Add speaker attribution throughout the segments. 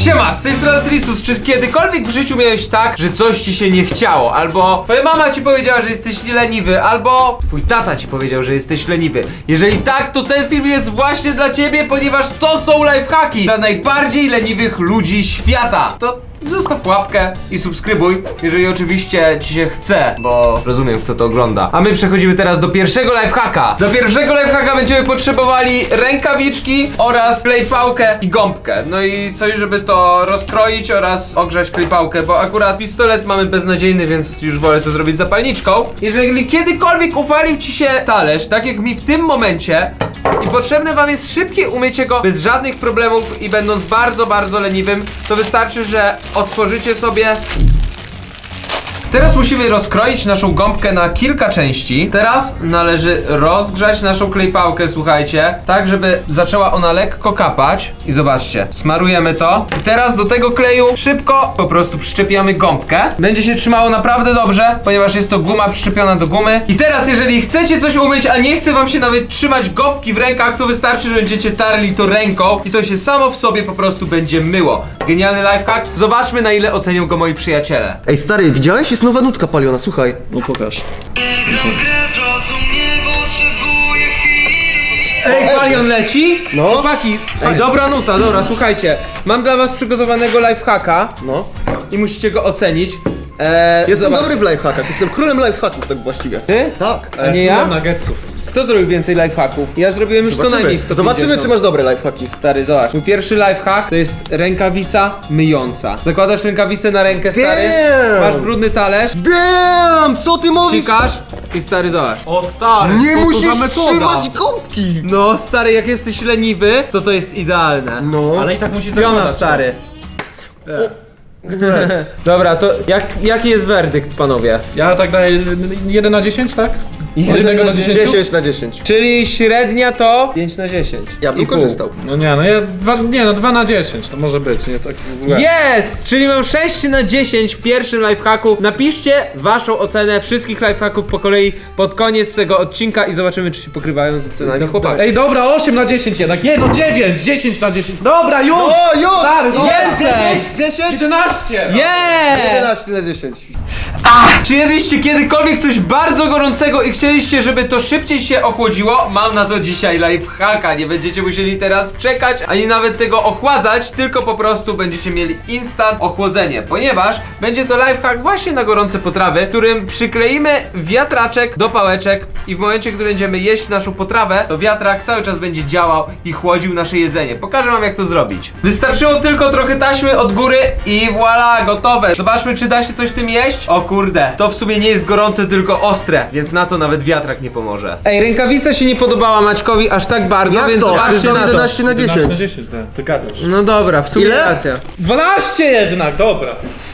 Speaker 1: Siema, z tej strony Trisus. Czy kiedykolwiek w życiu miałeś tak, że coś ci się nie chciało? Albo twoja mama ci powiedziała, że jesteś leniwy, albo twój tata ci powiedział, że jesteś leniwy. Jeżeli tak, to ten film jest właśnie dla ciebie, ponieważ to są lifehacki dla najbardziej leniwych ludzi świata. To zostaw łapkę i subskrybuj, jeżeli oczywiście ci się chce, bo rozumiem, kto to ogląda. A my przechodzimy teraz do pierwszego lifehacka. Do pierwszego lifehacka będziemy potrzebowali rękawiczki oraz klejpałkę i gąbkę. No i coś, żeby to rozkroić oraz ogrzać klejpałkę, bo akurat pistolet mamy beznadziejny, więc już wolę to zrobić zapalniczką. Jeżeli kiedykolwiek uwalił ci się talerz, tak jak mi w tym momencie, i potrzebne wam jest szybkie umycie go bez żadnych problemów i będąc bardzo, bardzo leniwym, to wystarczy, że otworzycie sobie. Teraz musimy rozkroić naszą gąbkę na kilka części. Teraz należy rozgrzać naszą klejpałkę, słuchajcie, tak żeby zaczęła ona lekko kapać. I zobaczcie, smarujemy to. I teraz do tego kleju szybko po prostu przyczepiamy gąbkę. Będzie się trzymało naprawdę dobrze, ponieważ jest to guma przyczepiona do gumy. I teraz jeżeli chcecie coś umyć, a nie chce wam się nawet trzymać gąbki w rękach, to wystarczy, że będziecie tarli to ręką i to się samo w sobie po prostu będzie myło. Genialny lifehack. Zobaczmy, na ile ocenią go moi przyjaciele.
Speaker 2: Ej stary, widziałeś? Jest nowa nutka paliona, słuchaj.
Speaker 3: No pokaż.
Speaker 1: Ej, palion leci?
Speaker 2: No.
Speaker 1: Chłopaki, ej, dobra nuta, dobra, słuchajcie. Mam dla was przygotowanego lifehacka
Speaker 2: No.
Speaker 1: i musicie go ocenić.
Speaker 2: Jestem
Speaker 1: zobacz.
Speaker 2: dobry w lifehackach, jestem królem lifehacków tak właściwie.
Speaker 1: Ty?
Speaker 2: Tak.
Speaker 1: A nie ja?
Speaker 3: Nuggetsów.
Speaker 1: Kto zrobił więcej lifehacków? Ja zrobiłem już co najmniej 150.
Speaker 2: Zobaczymy, czy masz dobre lifehacki.
Speaker 1: Stary, zobacz. Mój pierwszy lifehack to jest rękawica myjąca. Zakładasz rękawicę na rękę, stary.
Speaker 2: Damn.
Speaker 1: Masz brudny talerz.
Speaker 2: Damn, co ty mówisz?
Speaker 1: Sikasz i stary, zobacz.
Speaker 3: O stary,
Speaker 2: Nie
Speaker 3: co to
Speaker 2: musisz
Speaker 3: za metoda?
Speaker 2: trzymać gąbki.
Speaker 1: No, stary, jak jesteś leniwy, to jest idealne.
Speaker 2: No.
Speaker 3: Ale i tak musi
Speaker 1: Piona,
Speaker 3: zakładać.
Speaker 1: stary. Dobra, to jaki jest werdykt, panowie?
Speaker 3: Ja tak daję 1 na 10, tak? Od 1 do 10?
Speaker 2: 10 na 10.
Speaker 1: Czyli średnia to 5 na 10.
Speaker 2: Ja bym
Speaker 1: I pół.
Speaker 2: korzystał.
Speaker 3: No nie, no ja 2 na 10, to może być, nie jest tak złe.
Speaker 1: Jest! Czyli mam 6 na 10 w pierwszym lifehacku. Napiszcie waszą ocenę wszystkich lifehacków po kolei pod koniec tego odcinka i zobaczymy, czy się pokrywają z ocenami chłopaków.
Speaker 3: Ej, dobra, 8 na 10 jednak, nie, no 9, 10 na 10. Dobra, już!
Speaker 2: O, już!
Speaker 3: Stary, no
Speaker 1: Więcej!
Speaker 2: 10?
Speaker 3: 11!
Speaker 1: Yeah!
Speaker 2: 11 na 10.
Speaker 1: Czy jedliście kiedykolwiek coś bardzo gorącego i chcieliście, żeby to szybciej się ochłodziło? Mam na to dzisiaj lifehacka. Nie będziecie musieli teraz czekać, ani nawet tego ochładzać, tylko po prostu będziecie mieli instant ochłodzenie, ponieważ będzie to lifehack właśnie na gorące potrawy, którym przykleimy wiatraczek do pałeczek i w momencie, gdy będziemy jeść naszą potrawę, to wiatrak cały czas będzie działał i chłodził nasze jedzenie. Pokażę wam, jak to zrobić. Wystarczyło tylko trochę taśmy od góry i voilà, gotowe. Zobaczmy, czy da się coś tym jeść. O kurde, to w sumie nie jest gorące, tylko ostre, więc na to nawet wiatrak nie pomoże. Ej, rękawica się nie podobała Maćkowi aż tak bardzo,
Speaker 2: Jak
Speaker 1: więc
Speaker 2: to?
Speaker 1: zobaczcie na to.
Speaker 2: 11 na
Speaker 3: 11 na
Speaker 2: 10.
Speaker 3: 10, tak, ty gadasz.
Speaker 1: No dobra, w sumie
Speaker 2: Ile?
Speaker 1: racja.
Speaker 3: 12 jednak, dobra.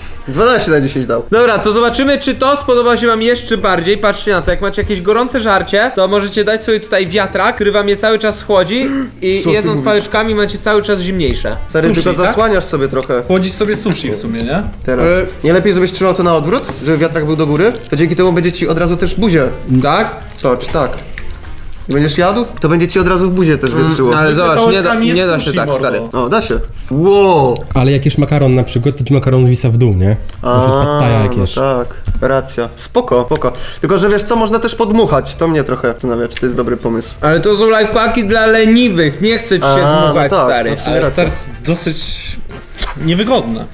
Speaker 2: 12 na 10 dał.
Speaker 1: Dobra, to zobaczymy, czy to spodoba się wam jeszcze bardziej. Patrzcie na to, jak macie jakieś gorące żarcie, to możecie dać sobie tutaj wiatrak, który wam je cały czas chłodzi i
Speaker 2: Co ty
Speaker 1: jedząc
Speaker 2: mówisz?
Speaker 1: pałeczkami macie cały czas zimniejsze.
Speaker 2: Stary,
Speaker 3: Sushi,
Speaker 2: tylko
Speaker 3: tak?
Speaker 2: zasłaniasz sobie trochę.
Speaker 3: Chłodzisz sobie sushi w sumie, nie?
Speaker 2: Teraz. Nie lepiej, żebyś trzymał to na odwrót, żeby wiatrak był do góry? To dzięki temu będzie ci od razu też buzię.
Speaker 1: Tak?
Speaker 2: Tocz, tak. I będziesz jadł, to będzie ci od razu w buzie też wietrzyło.
Speaker 1: Ale zobacz,
Speaker 3: pałeczkami jest
Speaker 1: nie da się
Speaker 3: sushi,
Speaker 1: tak,
Speaker 3: mordo.
Speaker 1: stary.
Speaker 2: O, da się. Wow.
Speaker 4: Ale jak jesz makaron na przykład, to ci makaron wisa w dół, nie? Pad thai jak
Speaker 2: no
Speaker 4: jesz.
Speaker 2: tak, racja. Spoko, spoko. Tylko, że wiesz co, można też podmuchać. To mnie trochę zastanawia, czy to jest dobry pomysł.
Speaker 1: Ale to są lifehacki dla leniwych, nie chcę ci się
Speaker 2: A,
Speaker 1: dmuchać,
Speaker 2: no tak,
Speaker 1: stary.
Speaker 2: no w sumie
Speaker 3: Ale
Speaker 2: racja.
Speaker 3: stary, dosyć niewygodne.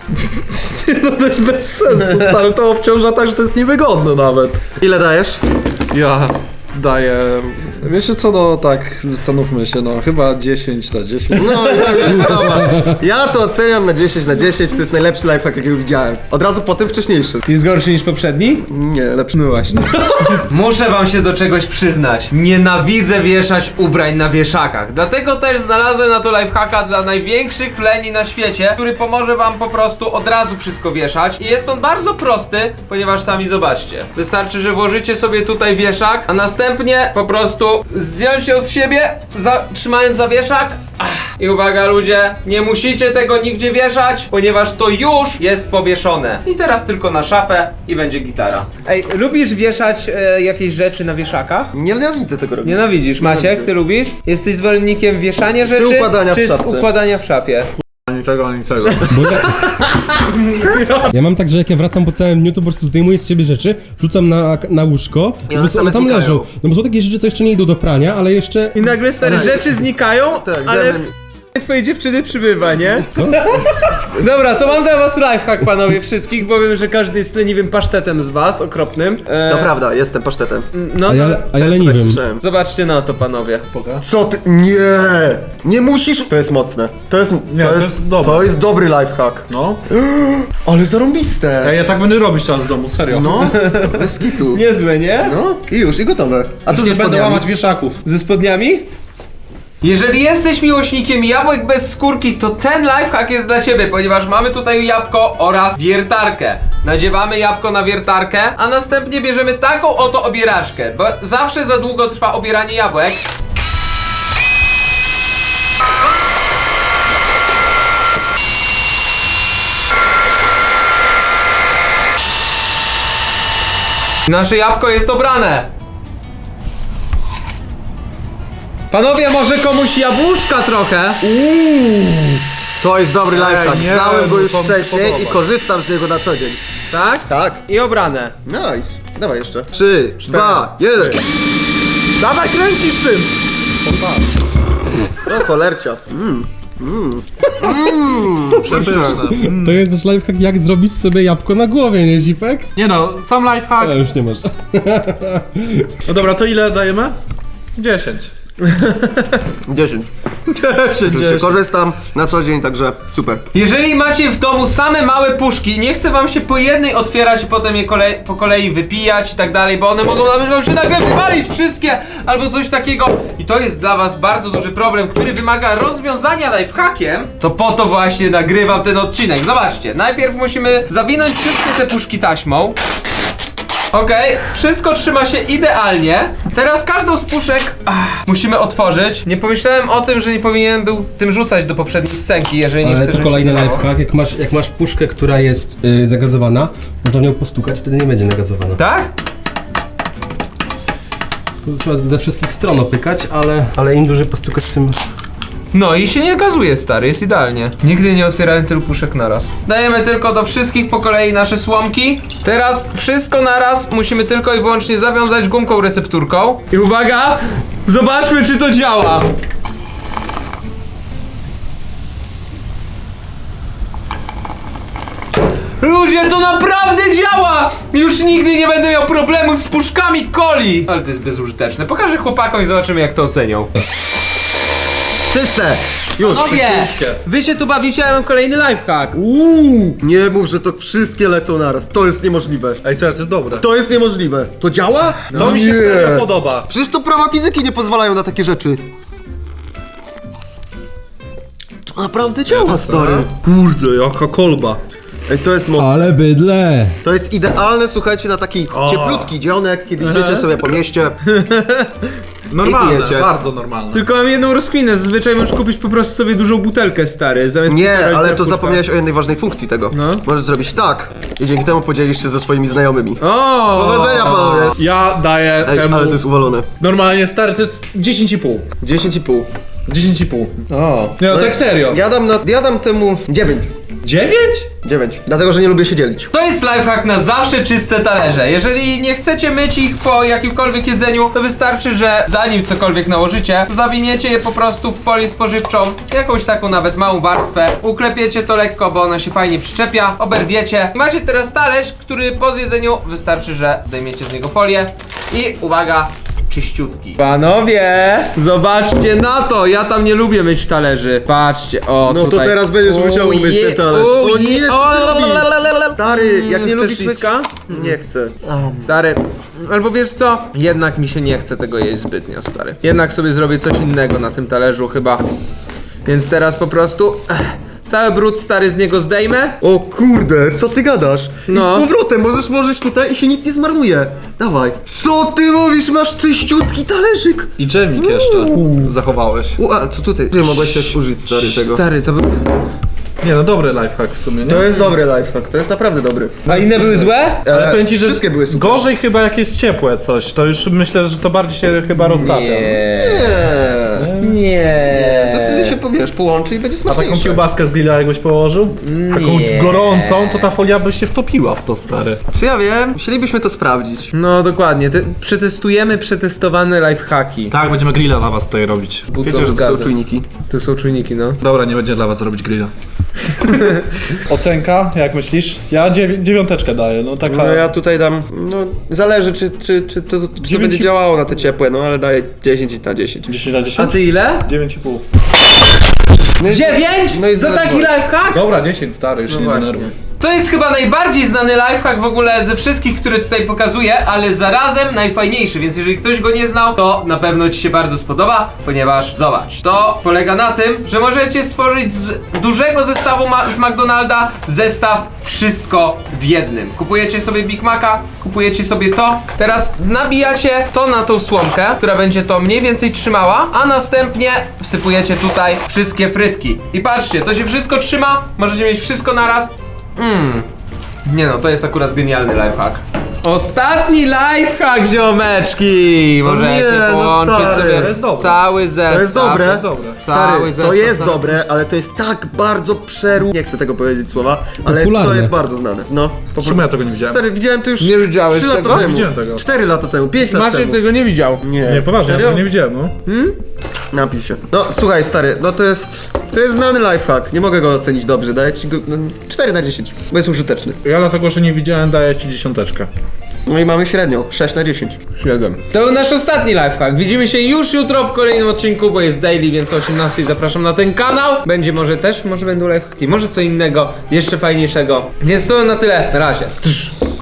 Speaker 2: No to jest bez sensu, stary, to obciąża tak, że to jest niewygodne nawet. Ile dajesz?
Speaker 3: Ja daję... Wiecie co, no tak, zastanówmy się, no chyba 10 na 10.
Speaker 2: No, ja mi się podoba. Ja to oceniam na 10 na 10, to jest najlepszy lifehack, jakiego widziałem. Od razu po tym wcześniejszy.
Speaker 1: Jest gorszy niż poprzedni?
Speaker 2: Nie, lepszy.
Speaker 1: No właśnie. Muszę wam się do czegoś przyznać. Nienawidzę wieszać ubrań na wieszakach. Dlatego też znalazłem na to lifehacka dla największych leni na świecie, który pomoże wam po prostu od razu wszystko wieszać. I jest on bardzo prosty, ponieważ sami zobaczcie. Wystarczy, że włożycie sobie tutaj wieszak, a następnie po prostu zdjąć ją z siebie, trzymając za wieszak. I uwaga ludzie, nie musicie tego nigdzie wieszać, ponieważ to już jest powieszone. I teraz tylko na szafę i będzie gitara. Ej, lubisz wieszać jakieś rzeczy na wieszakach?
Speaker 2: Nienawidzę tego robić.
Speaker 1: Nienawidzisz. Maciek, ty lubisz? Jesteś zwolennikiem wieszania rzeczy?
Speaker 2: układania w
Speaker 1: czy
Speaker 2: szafce?
Speaker 1: układania w szafie?
Speaker 3: Ani czego.
Speaker 4: Bo ja mam tak, że jak ja wracam po całym dniu, to po prostu zdejmuję z siebie rzeczy, rzucam na łóżko i po
Speaker 2: one
Speaker 4: prostu
Speaker 2: same
Speaker 4: one tam
Speaker 2: znikają.
Speaker 4: leżą. No bo są takie rzeczy, co jeszcze nie idą do prania, ale jeszcze...
Speaker 1: I nagle stare rzeczy znikają,
Speaker 2: Tak,
Speaker 1: ale
Speaker 2: damy-
Speaker 1: twojej dziewczyny przybywa, nie? Dobra, to mam dla was lifehack, panowie, wszystkich, bo wiem, że każdy jest leniwym pasztetem z was, okropnym.
Speaker 2: To prawda, jestem pasztetem.
Speaker 1: No,
Speaker 4: A ja
Speaker 2: Tak
Speaker 4: leniwym.
Speaker 2: słyszałem.
Speaker 1: zobaczcie na to, panowie.
Speaker 2: Co ty? Nie! Nie musisz! To jest mocne. To jest
Speaker 3: dobre.
Speaker 2: To jest dobry lifehack.
Speaker 3: No.
Speaker 2: Ale zarąbiste!
Speaker 3: Ja tak będę robić teraz w domu, serio.
Speaker 2: No, bez kitu.
Speaker 1: Niezłe, nie?
Speaker 2: No i już, i gotowe. A co
Speaker 3: Nie
Speaker 2: ze
Speaker 3: będę
Speaker 2: spodniami?
Speaker 3: łamać wieszaków.
Speaker 1: Ze spodniami? Jeżeli jesteś miłośnikiem jabłek bez skórki, to ten lifehack jest dla ciebie, ponieważ mamy tutaj jabłko oraz wiertarkę. Nadziewamy jabłko na wiertarkę, a następnie bierzemy taką oto obieraczkę, bo zawsze za długo trwa obieranie jabłek. Nasze jabłko jest obrane. Panowie, może komuś jabłuszka trochę?
Speaker 2: To jest dobry lifehack.
Speaker 3: nie,
Speaker 2: Znałem go już
Speaker 3: to mi
Speaker 2: wcześniej
Speaker 3: podoba.
Speaker 2: i korzystam z niego na co dzień.
Speaker 1: Tak?
Speaker 2: Tak.
Speaker 1: I obrane.
Speaker 2: Nice. Dawaj jeszcze. 3, 2, 1.
Speaker 1: Dawaj, kręcisz tym!
Speaker 2: O cholercia. Przepyszne.
Speaker 4: To jest też lifehack, jak zrobić sobie jabłko na głowie, nie Zipek?
Speaker 3: Nie no, sam lifehack.
Speaker 4: Ale już nie masz.
Speaker 3: No dobra, to ile dajemy? 10.
Speaker 2: 10.
Speaker 3: 10.
Speaker 2: Korzystam na co dzień, także super.
Speaker 1: Jeżeli macie w domu same małe puszki, nie chcę wam się po jednej otwierać i potem je po kolei wypijać i tak dalej, bo one mogą nawet wam się nagle wywalić wszystkie albo coś takiego. I to jest dla was bardzo duży problem, który wymaga rozwiązania lifehackiem. To po to właśnie nagrywam ten odcinek. Zobaczcie, najpierw musimy zawinąć wszystkie te puszki taśmą. Okej, wszystko trzyma się idealnie. Teraz każdą z puszek musimy otworzyć. Nie pomyślałem o tym, że nie powinienem był tym rzucać do poprzedniej scenki, jeżeli nie
Speaker 4: Ale
Speaker 1: chcesz,
Speaker 4: to kolejny lifehack, jak masz puszkę, która jest zagazowana, no to nią postukać, wtedy nie będzie nagazowana.
Speaker 1: Tak?
Speaker 4: To trzeba ze wszystkich stron opykać, ale im dłużej postukać, tym...
Speaker 1: No i się nie gazuje, stary, jest idealnie. Nigdy nie otwierałem tylu puszek naraz. Dajemy tylko do wszystkich po kolei nasze słomki. Teraz wszystko naraz musimy tylko i wyłącznie zawiązać gumką recepturką. I uwaga! Zobaczmy, czy to działa! Ludzie, to naprawdę działa! Już nigdy nie będę miał problemu z puszkami coli! Ale to jest bezużyteczne. Pokażę chłopakom i zobaczymy, jak to ocenią.
Speaker 2: Czyste! Już.
Speaker 1: Panowie, wy się tu bawicie, a ja mam kolejny lifehack.
Speaker 2: Nie mów, że to wszystkie lecą naraz. To jest niemożliwe.
Speaker 3: Ej, serio, to jest dobre.
Speaker 2: To jest niemożliwe. To działa?
Speaker 3: To mi się serio podoba.
Speaker 2: Przecież to prawa fizyki nie pozwalają na takie rzeczy. To naprawdę działa, stary.
Speaker 3: Kurde, jaka kolba.
Speaker 2: Ej, to jest mocne.
Speaker 4: Ale bydle!
Speaker 2: To jest idealne, słuchajcie, na taki cieplutki dzionek, kiedy idziecie sobie po mieście.
Speaker 3: Normalne,
Speaker 2: pijecie.
Speaker 3: bardzo normalne.
Speaker 1: Tylko mam jedną rozkminę, zazwyczaj możesz kupić po prostu sobie dużą butelkę, stary, zamiast
Speaker 2: Nie,
Speaker 1: 1,5
Speaker 2: ale
Speaker 1: litra
Speaker 2: to
Speaker 1: puszka.
Speaker 2: zapomniałeś o jednej ważnej funkcji tego.
Speaker 1: No.
Speaker 2: Możesz zrobić tak i dzięki temu podzielisz się ze swoimi znajomymi.
Speaker 1: O!
Speaker 2: Powodzenia, panowie!
Speaker 3: Ja daję
Speaker 2: Ej,
Speaker 3: temu...
Speaker 2: ale to jest uwalone.
Speaker 3: Normalnie, stary, to jest 10,5.
Speaker 2: 10,5.
Speaker 3: 10,5.
Speaker 1: O!
Speaker 3: Nie no, tak serio.
Speaker 2: Ja dam temu 9.
Speaker 3: 9?
Speaker 2: 9. Dlatego, że nie lubię się dzielić.
Speaker 1: To jest lifehack na zawsze czyste talerze. Jeżeli nie chcecie myć ich po jakimkolwiek jedzeniu, to wystarczy, że zanim cokolwiek nałożycie, zawiniecie je po prostu w folię spożywczą, jakąś taką nawet małą warstwę, uklepiecie to lekko, bo ona się fajnie przyczepia, oberwiecie. Macie teraz talerz, który po zjedzeniu wystarczy, że zdejmiecie z niego folię i uwaga, czyściutki. Panowie, zobaczcie na to, ja tam nie lubię myć talerzy. Patrzcie, o
Speaker 2: No to
Speaker 1: tutaj.
Speaker 2: teraz będziesz musiał umyć ten talerz. O nie, co ty robisz?
Speaker 1: lalalala.
Speaker 2: Stary, jak nie
Speaker 1: Chcesz
Speaker 2: lubisz myć...
Speaker 1: liska?
Speaker 2: Nie chcę.
Speaker 1: Stary, albo wiesz co? Jednak mi się nie chce tego jeść zbytnio, stary. Jednak sobie zrobię coś innego na tym talerzu chyba. Więc teraz po prostu cały brud, stary, z niego zdejmę.
Speaker 2: O kurde, co ty gadasz?
Speaker 1: No.
Speaker 2: I z powrotem możesz włożyć tutaj i się nic nie zmarnuje. Dawaj. Co ty mówisz? Masz czyściutki talerzyk.
Speaker 3: I dżemik jeszcze zachowałeś.
Speaker 2: A co tutaj? Ty mogłeś też użyć, stary, tego.
Speaker 1: Stary, to był...
Speaker 3: Nie no, dobry lifehack w sumie, nie?
Speaker 2: To jest dobry lifehack, to jest naprawdę dobry.
Speaker 1: A inne były złe?
Speaker 3: Ale powiem ci, że
Speaker 2: wszystkie były super.
Speaker 3: gorzej chyba jak jest ciepłe coś, to już myślę, że to bardziej się chyba roztapia.
Speaker 1: Nie.
Speaker 2: To wtedy się powiesz, połączy i będzie
Speaker 3: A taką
Speaker 2: smaczniejsze.
Speaker 3: kiełbaskę z grilla jakbyś położył? Taką
Speaker 1: Nie.
Speaker 3: gorącą, to ta folia by się wtopiła w to, stary.
Speaker 2: Czy ja wiem? Musielibyśmy to sprawdzić.
Speaker 1: No dokładnie, przetestujemy przetestowane lifehacki.
Speaker 3: Tak, będziemy grilla dla was tutaj robić.
Speaker 2: Wiecie, że to są czujniki.
Speaker 1: Tu są czujniki, no.
Speaker 3: Dobra, nie będzie dla was robić grilla. Ocenka, jak myślisz? Ja dziewiąteczkę daję, no taka...
Speaker 2: No ja tutaj dam, no zależy czy to będzie działało na te ciepłe, no ale daję 10 na 10.
Speaker 3: 10 na
Speaker 1: A
Speaker 3: 10?
Speaker 1: ty ile?
Speaker 3: 9,5.
Speaker 1: 9?
Speaker 2: No i
Speaker 1: Za taki
Speaker 2: zdenerwować.
Speaker 1: lifehack?
Speaker 3: Dobra, 10 stary, już
Speaker 1: No
Speaker 3: nie
Speaker 1: właśnie.
Speaker 3: denerwuj.
Speaker 1: To jest chyba najbardziej znany lifehack w ogóle ze wszystkich, które tutaj pokazuję, ale zarazem najfajniejszy, więc jeżeli ktoś go nie znał, to na pewno ci się bardzo spodoba, ponieważ zobacz, to polega na tym, że możecie stworzyć z dużego zestawu z McDonalda zestaw wszystko w jednym. Kupujecie sobie Big Maca, kupujecie sobie to, teraz nabijacie to na tą słomkę, która będzie to mniej więcej trzymała, a następnie wsypujecie tutaj wszystkie frytki. I patrzcie, to się wszystko trzyma, możecie mieć wszystko naraz. Nie no, to jest akurat genialny lifehack. Ostatni lifehack, ziomeczki! Możecie
Speaker 2: nie, no
Speaker 1: połączyć
Speaker 2: stary,
Speaker 1: sobie
Speaker 3: to jest dobre.
Speaker 1: cały zestaw.
Speaker 2: To jest dobre.
Speaker 3: jest dobre.
Speaker 2: Stary,
Speaker 1: Cały
Speaker 2: to
Speaker 1: zestaw
Speaker 2: jest
Speaker 1: na-
Speaker 2: dobre, ale to jest tak bardzo nie chcę tego powiedzieć słowa, ale
Speaker 4: Popularne.
Speaker 2: to jest bardzo znane. No.
Speaker 3: Czemu ja tego nie widziałem?
Speaker 2: Stary, widziałem to już
Speaker 1: Nie widziałeś
Speaker 2: 3 lata
Speaker 1: tego?
Speaker 2: temu.
Speaker 3: Widziałem tego.
Speaker 2: 4 lata temu, 5 lat
Speaker 1: Maciek
Speaker 2: temu.
Speaker 1: tego nie widział.
Speaker 3: Nie, poważnie, ja
Speaker 2: Serio?
Speaker 3: tego nie widziałem, no.
Speaker 2: Napij się. No słuchaj stary, no to jest znany lifehack, nie mogę go ocenić dobrze, daję ci go 4 na 10, bo jest użyteczny.
Speaker 3: Ja dlatego, że nie widziałem, daję ci 10.
Speaker 2: No i mamy średnią, 6 na 10.
Speaker 1: 7. To był nasz ostatni lifehack. Widzimy się już jutro w kolejnym odcinku, bo jest daily, więc o 18 zapraszam na ten kanał. Będzie może będą lifehacki, może co innego, jeszcze fajniejszego. Więc to na tyle. Na razie.